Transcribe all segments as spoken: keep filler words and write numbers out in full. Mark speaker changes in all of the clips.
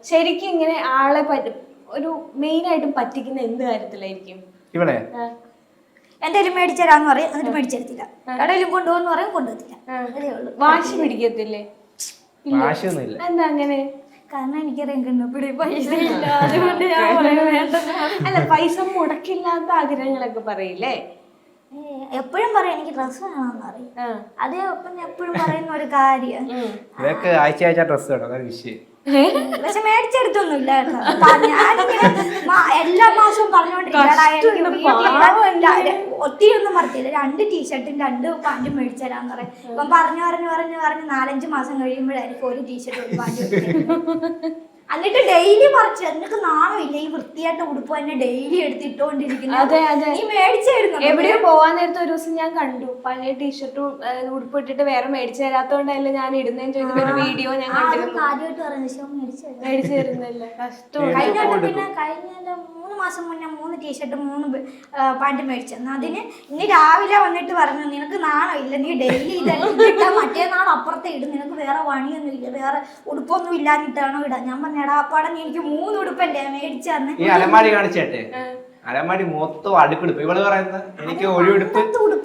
Speaker 1: ശരിക്കും ഇങ്ങനെ ആളെ പറ്റി ഒരു മെയിൻ ആയിട്ടും പറ്റിക്കുന്ന എന്ത് കാര്യത്തിലായിരിക്കും?
Speaker 2: ഇവിടെ
Speaker 3: എന്തായാലും മേടിച്ചരാന്ന് പറയും, എന്നിട്ട് മേടിച്ചെടുത്തില്ല. കടയിലും കൊണ്ടുപോകുന്ന പറയും, കൊണ്ടുപോകത്തില്ല. അതേ ഉള്ളൂ.
Speaker 1: വാശി പിടിക്കത്തില്ലേ?
Speaker 2: വാശിയൊന്നുമില്ല.
Speaker 1: എന്താ അങ്ങനെ?
Speaker 3: കാരണം എനിക്കറിയാം കണ്ണപ്പിടി പൈസ ഇല്ല, അതുകൊണ്ട് ഞാൻ വേണ്ട.
Speaker 1: അല്ല, പൈസ മുടക്കില്ലാത്ത ആഗ്രഹങ്ങളൊക്കെ പറയില്ലേ?
Speaker 3: എപ്പോഴും പറയാം എനിക്ക് ഡ്രസ്സ് വേണമെന്ന് പറയും. അതേ ഒപ്പം എപ്പോഴും പറയുന്ന ഒരു കാര്യം
Speaker 2: ഇതൊക്കെ ആഴ്ച ആഴ്ച ഡ്രസ്സ് വേണം, അതാണ് വിഷയം.
Speaker 3: പക്ഷെ മേടിച്ചെടുത്തൊന്നുമില്ല കേട്ടോ. ഞാനിങ്ങനെ എല്ലാ മാസവും പറഞ്ഞുകൊണ്ടിരിക്കുക ഒത്തിരി ഒന്നും പറഞ്ഞില്ല. രണ്ട് ടീഷർട്ടും രണ്ട് പാൻറ്റും മേടിച്ചരാന്ന് പറയും. ഇപ്പം പറഞ്ഞു പറഞ്ഞു പറഞ്ഞു പറഞ്ഞ് നാലഞ്ച് മാസം കഴിയുമ്പോഴായിരിക്കും ഒരു ടീഷർട്ട് ഒരു പാൻറ്റ്. എന്നിട്ട് ഡെയിലി പറിച്ചു. എന്നിട്ട് നാണമില്ല ഈ വൃത്തിയായിട്ട് ഉടുപ്പ് തന്നെ ഡെയിലി എടുത്തിട്ടോണ്ടിരിക്കുന്നു. നീ മേടിച്ചായിരുന്നു.
Speaker 1: എവിടെയോ പോവാൻ നേരത്തെ ഒരു ദിവസം ഞാൻ കണ്ടു പഴയ ടീഷർട്ടും ഉടുപ്പ് ഇട്ടിട്ട് വേറെ മേടിച്ചു തരാത്തോണ്ടല്ലേ ഞാൻ ഇടുന്നേന്ന് ചോദിക്കുന്ന ഒരു വീഡിയോ ഞാൻ കണ്ടിരുന്നു.
Speaker 3: ആദ്യമായിട്ട് പറയുന്നത്
Speaker 1: മേടിച്ചു തരുന്നില്ല. കഷ്ടം.
Speaker 3: കഴിഞ്ഞ പിന്നെ കഴിഞ്ഞ മൂന്ന് മാസം മുന്നേ മൂന്ന് ടീഷർട്ടും മൂന്ന് പാൻറ് മേടിച്ചെന്ന്. അതിന് ഇനി രാവിലെ വന്നിട്ട് പറഞ്ഞു നിനക്ക് നാണോ ഇല്ല, നീ ഡെയിലി ഇതാ മറ്റേ നാൾ അപ്പുറത്തെ ഇടും, നിനക്ക് വേറെ പണിയൊന്നും ഇല്ല, വേറെ ഉടുപ്പൊന്നും ഇല്ലാഞ്ഞിട്ടാണോ ഇടാൻ. ഞാൻ പറഞ്ഞു എടാ അപ്പാടെ നീ എനിക്ക് മൂന്ന് ഉടുപ്പല്ലേ മേടിച്ചു തന്നെ.
Speaker 2: ഈ അലമാരി കാണിച്ചേട്ടെ, അലമാരി മൊത്തം അടുപ്പെടുപ്പ്. ഇവള് പറയുന്നത് എനിക്ക് ഒരു ഉടുപ്പ്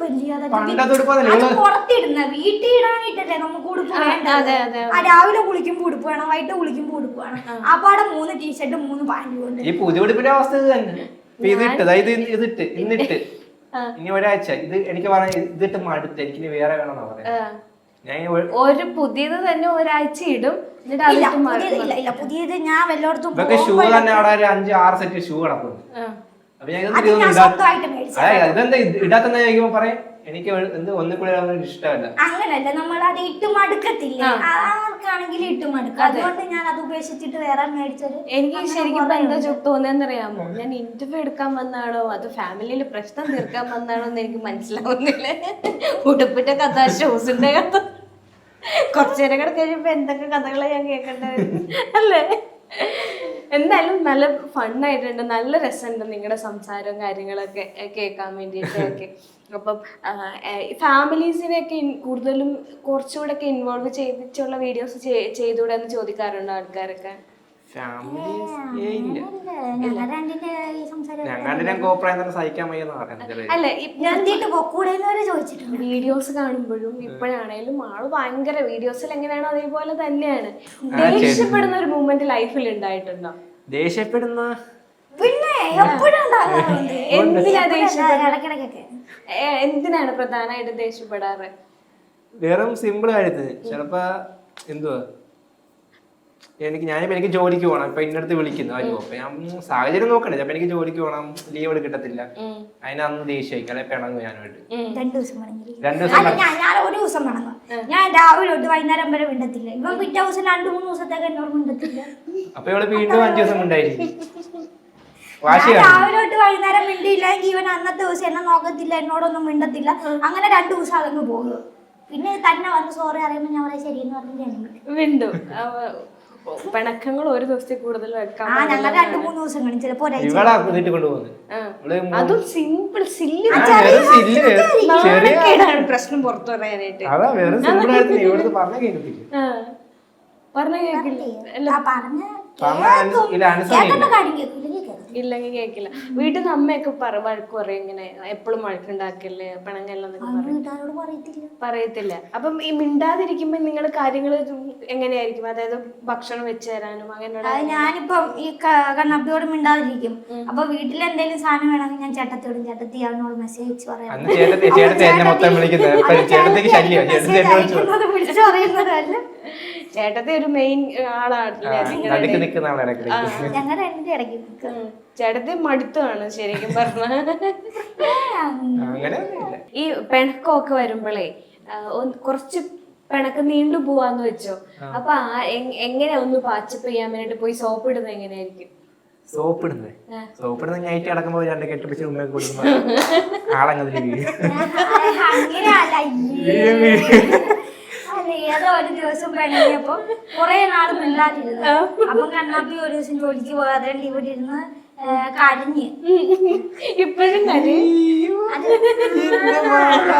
Speaker 3: പുറത്തിടുന്ന വീട്ടിൽ ഇടാനായിട്ടല്ലേ നമുക്ക് ഉടുപ്പ് വേണ്ടത്. ആ രാവിലെ കുളിക്കുമ്പോ ഉടുപ്പ് വേണം, വൈകിട്ട് കുളിക്കുമ്പോ ഉടുപ്പ് വേണം. ആ പാടെ മൂന്ന് ടീഷർട്ടും മൂന്ന് പാൻറ്റും ഉണ്ട്.
Speaker 2: ഈ പുതിയ ഉടുപ്പിന്റെ അവസ്ഥ ഇത് തന്നെ. ഇതിട്ട് ഇത് ഇതിട്ട് ഇന്നിട്ട് ഇനി ഒരാഴ്ച ഇത് എനിക്ക് പറഞ്ഞ ഇതിട്ട് മടുത്ത് എനിക്ക് വേറെ വേണമെന്നാ പറയാ.
Speaker 1: ഒരു പുതിയത് തന്നെ ഒരാഴ്ച ഇടും.
Speaker 3: പുതിയത് ഞാൻ വല്ലയിടത്തും
Speaker 2: ഷൂ തന്നെ അവിടെ ഒരു അഞ്ച് ആറ് സെറ്റ് ഷൂ കിടക്കുന്നു. അപ്പൊ ഞാൻ ഇതെന്താ ഇടാത്തെന്ന് ചോദിക്കുമ്പോ പറയാം എനിക്ക് എന്ത് ഒന്നും കൂടെ ഇഷ്ടമല്ല.
Speaker 3: അങ്ങനല്ല, നമ്മൾ അത് ഇട്ട് മടുക്കത്തില്ല. ആർക്കാണെങ്കിലും ഇട്ട് മടുക്കും. അതുകൊണ്ട് ഞാൻ അത് ഉപേക്ഷിച്ചിട്ട് വേറെ മേടിച്ചത്.
Speaker 1: എനിക്ക് ശരിക്കും എന്താ തോന്നുന്നറിയാമോ, ഞാൻ ഇന്റർവ്യൂ എടുക്കാൻ വന്നാണോ അത് ഫാമിലിയിൽ പ്രശ്നം തീർക്കാൻ വന്നാണോ എന്ന് എനിക്ക് മനസ്സിലാവുന്നില്ല. ഉടുപ്പിന്റെ കഥ, ഷൂസിന്റെ കഥ, കുറച്ചു നേരം കൂടെ കഴിയുമ്പോ എന്തൊക്കെ കഥകളെ ഞാൻ കേൾക്കേണ്ടത് അല്ലേ? എന്തായാലും നല്ല ഫണ്ണായിട്ടുണ്ട്, നല്ല രസമുണ്ട് നിങ്ങളുടെ സംസാരവും കാര്യങ്ങളൊക്കെ കേൾക്കാൻ വേണ്ടിയിട്ടൊക്കെ. അപ്പം ഫാമിലീസിനെയൊക്കെ കൂടുതലും കുറച്ചുകൂടെ ഒക്കെ ഇൻവോൾവ് ചെയ്തിട്ടുള്ള വീഡിയോസ് ചെയ്തുകൂടെ എന്ന് ചോദിക്കാറുണ്ടോ ആൾക്കാരൊക്കെ?
Speaker 2: അല്ല,
Speaker 1: വീഡിയോസ് കാണുമ്പോഴും ഇപ്പോഴാണേലും ആള് ഭയങ്കര വീഡിയോസിൽ എങ്ങനെയാണോ അതേപോലെ തന്നെയാണ്. ദേഷ്യപ്പെടുന്ന ഒരു മൂമെന്റ് ലൈഫിൽ ഉണ്ടായിട്ടുണ്ടോ?
Speaker 2: ദേഷ്യപ്പെടുന്ന
Speaker 3: പിന്നെ
Speaker 1: എന്തിനാ ദേഷ്യപ്പെടുന്നത്? എന്തിനാണ് പ്രധാനമായിട്ട് ദേഷ്യപ്പെടാറ്?
Speaker 2: വെറും സിമ്പിൾ കാര്യത്തിന്. ചിലപ്പോ എന്തുവാ എനിക്ക് ഞാനിപ്പോ എനിക്ക് ജോലിക്ക് പോകണം, ഇപ്പൊ ഇന്നടുത്ത് വിളിക്കുന്നു അയ്യോ അപ്പൊ ഞാൻ സാഹചര്യം നോക്കണേ. ചിലപ്പോ എനിക്ക് ജോലിക്ക് പോകണം, ലീവ് എടുക്കത്തില്ല, അതിന് അന്ന് ദേഷ്യമായിരിക്കും, അല്ലെ പിണങ്ങും ഞാനായിട്ട്.
Speaker 3: രണ്ടു ദിവസം
Speaker 2: രണ്ടു ദിവസം
Speaker 3: ഞാൻ ഒരു ദിവസം പിണങ്ങും. ഞാൻ രാവിലെ തൊട്ട് വൈകുന്നേരം വരെ മിണ്ടത്തില്ല. ഇവൻ പിറ്റേ ദിവസം രണ്ടു മൂന്ന് ദിവസത്തേക്ക് എന്നോട് മിണ്ടത്തില്ല.
Speaker 2: അപ്പൊ ഇവള് വീണ്ടും അഞ്ചു ദിവസം ഉണ്ടായിരിക്കും.
Speaker 3: രാവിലെ തൊട്ട് വൈകുന്നേരം മിണ്ടിയില്ലെങ്കിൽ ഇവൻ അന്നത്തെ ദിവസം എന്നെ നോക്കത്തില്ല, എന്നോടൊന്നും മിണ്ടത്തില്ല. അങ്ങനെ രണ്ടു ദിവസം അതങ്ങ് പോകും. പിന്നെ തന്നെ വന്ന് സോറി അറിയുമ്പോ ഞാൻ പറയാം ശരിയെന്ന് പറഞ്ഞു
Speaker 1: വീണ്ടും പിണക്കങ്ങൾ ഒരു ദിവസത്തിൽ കൂടുതൽ വെക്കാം.
Speaker 3: രണ്ടു മൂന്ന് ദിവസം കഴിഞ്ഞ് ചിലപ്പോ
Speaker 1: അതും സിമ്പിൾ സില്ലി പ്രശ്നം പുറത്തു പറയാനായിട്ട് പറഞ്ഞ കേക്കില്ല ഇല്ലെങ്കിൽ കേക്കില്ല. വീട്ടിൽ നിന്ന് അമ്മയൊക്കെ വഴക്ക് പറയും ഇങ്ങനെ എപ്പോഴും വഴക്കുണ്ടാക്കില്ലേ പിണങ്ങല്ലെന്നൊക്കെ പറയത്തില്ല. അപ്പം ഈ മിണ്ടാതിരിക്കുമ്പോ നിങ്ങള് കാര്യങ്ങള് എങ്ങനെയായിരിക്കും? അതായത് ഭക്ഷണം വെച്ച് തരാനും അങ്ങനെ.
Speaker 3: ഞാനിപ്പം ഈ കണ്ണപ്പിയോട് മിണ്ടാതിരിക്കും. അപ്പൊ വീട്ടിൽ എന്തെങ്കിലും സാധനം വേണമെങ്കിൽ ഞാൻ ചേട്ടത്തിയോടും ചേട്ടത്തി അവനോട് മെസ്സേജ് അയച്ച് പറയാം. വിളിച്ചു പറയുന്നതല്ല,
Speaker 1: ചേട്ടത്തെ ഒരു മെയിൻ ആളാണ്. ചേട്ടത്തെ മടുത്താണ് ശരിക്കും പറഞ്ഞ. ഈ പിണക്കമൊക്കെ വരുമ്പോഴേ കുറച്ച് പിണക്ക് നീണ്ടു പോവാന്ന് വെച്ചോ, അപ്പൊ എങ്ങനെ ഒന്ന് പാച്ചപ്പ് ചെയ്യാൻ വേണ്ടിട്ട് പോയി സോപ്പ് ഇടുന്നത് എങ്ങനെയായിരിക്കും?
Speaker 2: സോപ്പ് ഇടുന്നത് സോപ്പ് ഇടുന്ന നൈറ്റ് അടക്കുമ്പോ രണ്ട് കെട്ടിപ്പിടിച്ച് ഉമ്മയൊക്കെ കൊടുക്കുമ്പോ ആളങ്ങനെ
Speaker 3: ഏതോ ഒരു ദിവസം പിണങ്ങിയപ്പോ കൊറേ നാള് മിണ്ടാതിരുന്നു. അപ്പം കണ്ണാപ്പി ഒരു ദിവസം ജോലിക്ക് പോകാതെ ഇവിടെ ഇരുന്ന് കരഞ്ഞ്.
Speaker 1: ഇപ്പോഴും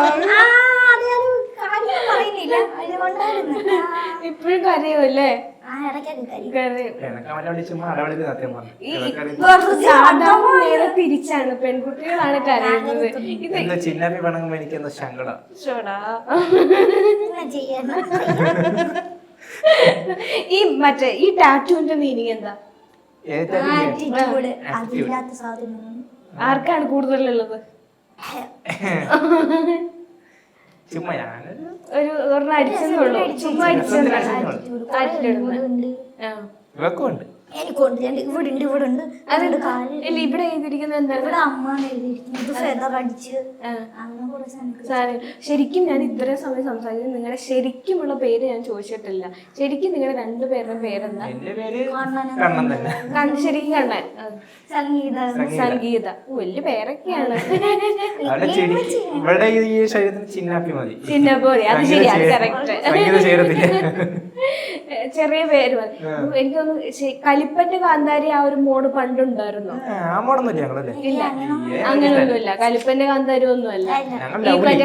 Speaker 3: പറയുന്നില്ല, അതുകൊണ്ടായിരുന്നു.
Speaker 1: ഇപ്പോഴും കരയുമല്ലേ?
Speaker 3: ആ ആ ഇടയ്ക്കൊക്കെ കാര്യം
Speaker 1: കരയും.
Speaker 2: എനക്ക് അവനെ വിളിച്ച് ചുമ്മാ അടവളിക്ക് സത്യം പറഞ്ഞു
Speaker 1: ഈ
Speaker 2: ഇതൊക്കെ അറിയുന്ന-
Speaker 1: സാധാരണ നേരെ തിരിച്ചാണ്, പെൺകുട്ടികളാണ് കരയുന്നത്. ഇത്
Speaker 2: എന്താ ചിന്നാപ്പി പണങ്ങുമ്പോ എനിക്ക് എന്താ സങ്കടം.
Speaker 1: ഷോടാ.
Speaker 3: ഇങ്ങനെ ചെയ്യാൻ
Speaker 1: ഈ മറ്റേ ഈ ടാറ്റുവിന്റെ മീനിങ് എന്താ?
Speaker 2: ഏതാ
Speaker 3: ആറ്റിറ്റ്യൂഡ് അതില്ലാത്ത സാധനം
Speaker 1: ആർക്കാണ് കൂടുതലുള്ളത്?
Speaker 2: ചുമ്മാ ഞാനൊരു
Speaker 1: ഒരു ഒരെണ്ണം അടിച്ചെന്നുള്ളൂ, ചുമ്മാ അടിച്ചെന്നു.
Speaker 3: ഉണ്ട്
Speaker 1: ആ.
Speaker 2: ഇവക്കും ഉണ്ട്.
Speaker 3: എനിക്കുണ്ട് ഞാൻ ഇവിടെ ഉണ്ട് ഇവിടെ ഉണ്ട് അതുകൊണ്ട് കാല്
Speaker 1: ഇല്ല, ഇവിടെ എഴുതിയിരിക്കുന്നത് എന്താണ്?
Speaker 3: ഇവിടെ അമ്മ എഴുതിയിരിക്കുന്നത് ഫെദർ അടിച്ച് അങ്ങനെ കുറെ സാധനം
Speaker 1: സാറേ, ശരിക്കും ഞാൻ ഇത്രയും സമയം സംസാരിച്ചത് നിങ്ങളുടെ ശരിക്കുമുള്ള പേര് ഞാൻ ചോദിച്ചിട്ടില്ല. ശരിക്കും നിങ്ങളുടെ രണ്ടുപേരുടെ പേരെന്താ?
Speaker 2: എന്റെ പേര് കണ്ണൻ തന്നെ.
Speaker 1: കണ്ണ് ശരിക്കും കണ്ണൻ. ആ.
Speaker 3: സംഗീത
Speaker 1: സംഗീത. ഓ, വലിയ പേരൊക്കെയാണ്.
Speaker 2: അവിടെ ചെടി ഇവിടെ ഈ ശരീരത്തിന് ചിന്നാപ്പി മതി.
Speaker 1: ചിന്ന പോലെ, അത് ശരിയാണ്, കറക്റ്റ്.
Speaker 2: സംഗീത ചേരത്തില്ല.
Speaker 1: ചെറിയ പേര് മതി. എനിക്കൊന്ന് കലിപ്പന്റെ കാന്താരി ആ ഒരു മോഡ് പണ്ടുണ്ടായിരുന്നോ?
Speaker 2: ആ മോടൊന്നുമില്ല ഞങ്ങളല്ലേ.
Speaker 1: ഇല്ല, അങ്ങനെയൊന്നുമില്ല. കലിപ്പന്റെ കാന്താരി ഒന്നുമല്ല. ഈ മറ്റേ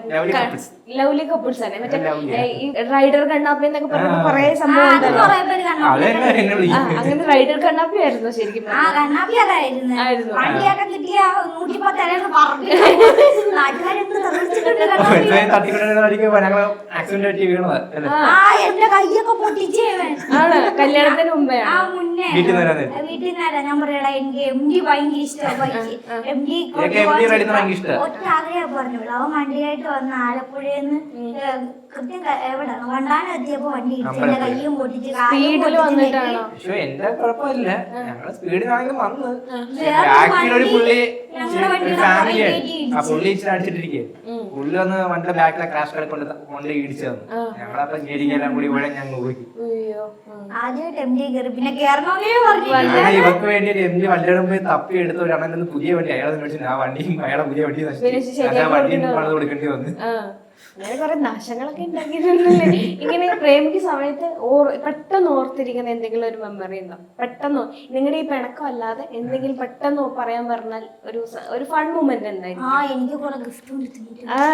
Speaker 1: ലവ്ലി കപ്പിൾസ് ആണ്. മറ്റേ ഈ റൈഡർ കണ്ണാപ്പി എന്നൊക്കെ പറഞ്ഞ കൊറേ സംഭവം ഉണ്ടല്ലോ.
Speaker 3: കുറെ പേര് കണ്ണാപ്പി
Speaker 2: അതെന്നെ എന്നെ
Speaker 1: ആ,
Speaker 2: വിളിക്കും.
Speaker 1: അങ്ങനെ റൈഡർ കണ്ണാപ്പി ആയിരുന്നു ശരിക്കും.
Speaker 3: ആ കണ്ണാപ്പി അതായിരുന്നു
Speaker 1: ആയിരുന്നു.
Speaker 3: വണ്ടിയൊക്കെ കിട്ടിയ നൂറ്റിപ്പത്തേഴ് പറഞ്ഞു നാട്ടുകാരെന്ത് തെളിച്ചിട്ടുണ്ട് കണ്ണാപ്പി.
Speaker 2: തട്ടിക്കൊണ്ടിരിക്കുമ്പോ ഞങ്ങള് ആക്സിഡന്റ് പറ്റി വീണത് അല്ലേ.
Speaker 3: ആ എന്റെ കൈയൊക്കെ പൊട്ടിച്ചേവൻ
Speaker 1: ആണ്, കല്യാണത്തിന് മുമ്പേ
Speaker 3: ആ മുന്നേ
Speaker 2: വീട്ടിൽ നിന്ന് വരാൻ
Speaker 3: വീട്ടിൽ നിന്നാ ഞാൻ പറയടാ എനിക്ക് എം ഡി ഭയങ്കര ഇഷ്ടമാണ് ബൈക്ക് എം ഡി
Speaker 2: എനിക്ക് എം ഡി റൈഡിന് ഭയങ്കര ഇഷ്ടമാണ്.
Speaker 3: ഒറ്റ ആഗ്രഹം പറഞ്ഞു അവൻ വണ്ടിയായിട്ട് വന്ന് ആലപ്പുഴന്ന് കൃത്യം ക- എവിടെ വണ്ടാനം എത്തിയപ്പോ വണ്ടി ഇടിച്ച് എന്റെ കയ്യും പൊട്ടിച്ച് കാലും
Speaker 1: സ്പീഡിൽ
Speaker 3: പൊട്ടിച്ച്
Speaker 1: വന്നിട്ടാണോ?
Speaker 2: പക്ഷെ എന്റെ കുഴപ്പമില്ല, ഞങ്ങള് സ്പീഡിനാണെങ്കിലും വന്ന്
Speaker 3: വേറെ
Speaker 2: ബാക്കിൽ ഒരു
Speaker 3: വണ്ടി
Speaker 2: പുള്ളി
Speaker 3: ഞങ്ങളുടെ വണ്ടിയുടെ
Speaker 2: ഫാമിലിയാണ്.
Speaker 3: പുറകെ
Speaker 2: ആ പുള്ളി ഇച്ചിരി അടിച്ചിട്ടിരിക്കുക. പുള്ളി വന്ന് വണ്ടിയുടെ ബാക്കിലെ ക്രാഷ് കളി കൊണ്ട് കൊണ്ട് ഇടിച്ചു തന്നു. ഞങ്ങളപ്പോ ഞെരിക്കെല്ലാം കൂടി ഇവിടെ ഞങ്ങൾ പോയി.
Speaker 1: അയ്യോ.
Speaker 3: ആദ്യമായിട്ട് എം ഡി കയറി പിന്നെ കയറണമെന്നേ പറഞ്ഞു
Speaker 2: ഞാൻ ഇവർക്ക് വേണ്ടി ഒരു എം ഡി വണ്ടിയുടെ പോയി തപ്പി എടുത്ത് ഒരു അണ്ണൻ പുതിയ വണ്ടി അയാളെ മേടിച്ചു. ആ വണ്ടിയും അയാളെ പുതിയ വണ്ടി നശിച്ചു. ആ വണ്ടിയും പണിത് കൊടുക്കേണ്ടി വന്നു.
Speaker 1: ആ, അങ്ങനെ കുറെ നാശങ്ങളൊക്കെ ഉണ്ടാക്കിയിട്ടുണ്ടല്ലേ. ഇങ്ങനെ പ്രേമിക്കുന്ന സമയത്ത് ഓർ പെട്ടെന്ന് ഓർത്തിരിക്കുന്ന എന്തെങ്കിലും ഒരു മെമ്മറി ഉണ്ടോ? പെട്ടെന്ന് നിങ്ങളുടെ ഈ പിണക്കം അല്ലാതെ എന്തെങ്കിലും പെട്ടെന്ന് പറയാൻ പറഞ്ഞാൽ ഒരു സ- ഒരു ഫൺ മൂമെന്റ് എന്തായിരിക്കും?
Speaker 3: ആ എനിക്ക് കുറെ ഗിഫ്റ്റ് കൊടുത്തിട്ടുണ്ട്
Speaker 1: ആ,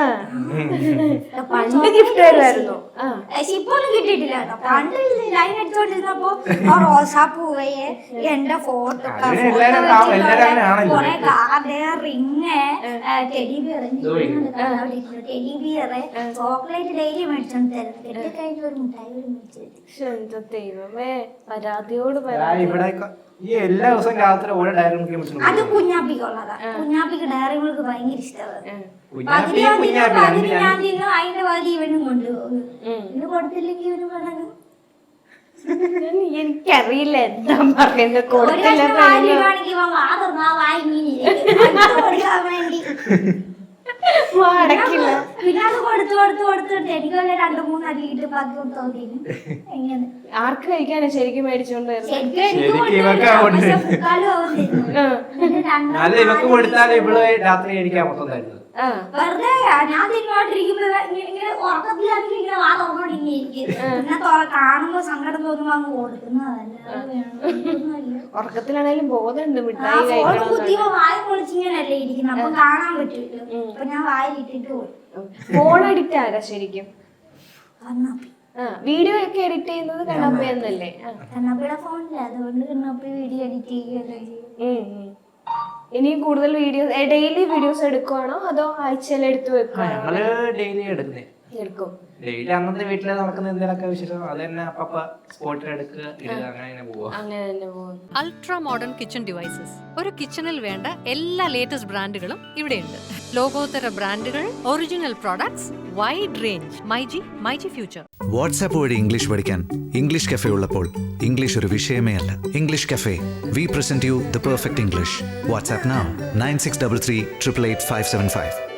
Speaker 1: പണ്ട് ഗിഫ്റ്റ് വരുമായിരുന്നു. ആ,
Speaker 3: പക്ഷെ ഇപ്പൊ ഒന്നും കിട്ടിയിട്ടില്ല കേട്ടോ പണ്ട് ലൈൻ അടിച്ചോണ്ടിരുന്നപ്പോ ആ റോസാപ്പൂവയെ എന്റെ ഫോട്ടോ
Speaker 2: അതിന് എല്ലാവരും ഉണ്ടാവും. എല്ലാവരും അങ്ങനെ ആണല്ലോ.
Speaker 3: കൊറേ card ring teddy bear teddy bear chocolate daily മേടിച്ചോണ്ട് തരുന്നു കെട്ടിക്കഴിഞ്ഞ ഒരു മിഠായി ഒരു മേടിച്ചു
Speaker 1: ശ്ശെ, എന്റെ ദൈവമേ, പരാതിയോട്
Speaker 2: ഞാൻ
Speaker 1: പരാതി.
Speaker 2: ഇവിടെ ഈ എല്ലാ ദിവസവും രാത്രി ഓരോ ഡയറി മിൽക്ക്
Speaker 3: അത് കുഞ്ഞാപ്പിക്കുള്ളതാ കുഞ്ഞാപ്പിക്ക് ഡയറി മിൽക്ക് ഭയങ്കര ഇഷ്ടമാണ്
Speaker 2: കുഞ്ഞാപ്പി
Speaker 3: പതിനാം
Speaker 2: കുഞ്ഞാപ്പി
Speaker 3: തീയതി
Speaker 2: രണ്ട്
Speaker 3: പതിനാം തീയതി അതിന്റെ പകുതി ഇവനും കൊണ്ടുപോകും ഇത് കൊടുത്തില്ലെങ്കിൽ ഇവന് പണങ്ങും
Speaker 1: ഞാൻ- എനിക്കറിയില്ല എന്താ പറയുന്നത്.
Speaker 3: ഒരു
Speaker 1: കൊടുത്തില്ല
Speaker 3: കഷ്ണം വാരിയിടുവാണെങ്കിൽ ഇവൻ വാ തുറന്നാ വായി ഇങ്ങനെ ഇരിക്കും. അത് കൊടുക്കാൻ വേണ്ടി
Speaker 1: അടക്കില്ല.
Speaker 3: പിന്നെ അത് കൊടുത്ത് കൊടുത്ത് കൊടുത്തിട്ട് എനിക്ക് വല്ല രണ്ടു മൂന്ന് അടിയിട്ട് ബാക്കി തോന്നിയിരുന്നു എങ്ങനെ
Speaker 1: ആർക്ക് കഴിക്കാനാ ശരിക്കും മേടിച്ചോണ്ട് വരുന്നത്?
Speaker 3: ശരിക്കും എനിക്ക്
Speaker 2: ശരിക്കും ഇവക്കാ
Speaker 3: കൊണ്ടുവരുന്നത്. പക്ഷെ
Speaker 2: കൊണ്ടുവരുന്നത്.
Speaker 3: മുക്കാലും അവൻ തരുന്നു.
Speaker 1: ആ.
Speaker 3: എന്നിട്ട് രണ്ടോ
Speaker 2: അല്ല ഇവക്ക് കൊടുത്താലും ഇവള് രാത്രി കഴിക്കാൻ മൊത്തം തരുന്നത്.
Speaker 1: ആ,
Speaker 3: വെറുതെ ഞാൻ തിന്നോണ്ടിരിക്കുമ്പോ ഇങ്ങനെ ഇങ്ങനെ ഉറക്കത്തിലാണെങ്കിൽ ഇങ്ങനെ വാ തുറന്നോണ്ട് ഇങ്ങനെ ഇരിക്കും പിന്നെ തുറ- കാണുമ്പോ സങ്കടം തോന്നുമ്പോ അങ്ങ് കൊടുക്കുന്നതല്ല
Speaker 1: ഉറക്കത്തിലാണേലും ബോധമുണ്ട്
Speaker 3: ആ
Speaker 1: മിഠായി
Speaker 3: ഫോൺ
Speaker 1: കഴിക്കണം.
Speaker 3: കുത്തിയപ്പോ വായ പൊളിച്ചിങ്ങനല്ലേ ഇരിക്കുന്നത് അപ്പൊ കാണാൻ പറ്റൂല്ലോ അപ്പൊ ഞാൻ വായിലിട്ടിട്ട് പോയി
Speaker 1: ഫോൺ അഡിക്റ്റ് ആരാ ശരിക്കും?
Speaker 3: കണ്ണാപ്പി
Speaker 1: ആ, വീഡിയോ ഒക്കെ എഡിറ്റ് ചെയ്യുന്നത് കണ്ണപ്പ എന്നല്ലേ? ആ.
Speaker 3: കണ്ണാപ്പിയുടെ ഫോണില്ല അതുകൊണ്ട് കണ്ണാപ്പി വീഡിയോ എഡിറ്റ് ചെയ്യുകയല്ലേ ചെയ്യും
Speaker 1: ഉം, ഉം. ഇനിയും കൂടുതൽ വീഡിയോസ് ഡെയിലി വീഡിയോസ് എടുക്കുവാണോ അതോ ആഴ്ചയിൽ എടുത്തു
Speaker 2: ആ,
Speaker 1: വെക്കുവാണോ?
Speaker 2: ഞങ്ങള് ഡെയിലി എടുക്കുന്നേ.
Speaker 1: എടുക്കും.
Speaker 2: ഡെയിലി അന്നത്തെ വീട്ടില് നടക്കുന്ന എന്തെങ്കിലുമൊക്കെ വിശേഷം അത് തന്നെ അപ്പ സ്പോട്ടിൽ എടുക്കുക ഇടുക അങ്ങനെ തന്നെ പോവാ.
Speaker 1: അങ്ങനെ തന്നെ പോകും.
Speaker 4: അൾട്രാ മോഡേൺ കിച്ചൺ ഡിവൈസസ് ഒരു കിച്ചണിൽ വേണ്ട എല്ലാ ലേറ്റസ്റ്റ് ബ്രാൻഡുകളും ഇവിടെയുണ്ട്. ലോകോത്തര ബ്രാൻഡുകൾ, original products, wide range. MyG myG future.
Speaker 5: WhatsApp വഴി ഇംഗ്ലീഷ് പഠിക്കാൻ ഇംഗ്ലീഷ് കഫേ ഉള്ളപ്പോൾ ഇംഗ്ലീഷ് ഒരു വിഷയമേ അല്ല. English cafe, we present you the perfect English. WhatsApp now nine six double three triple eight five seven five.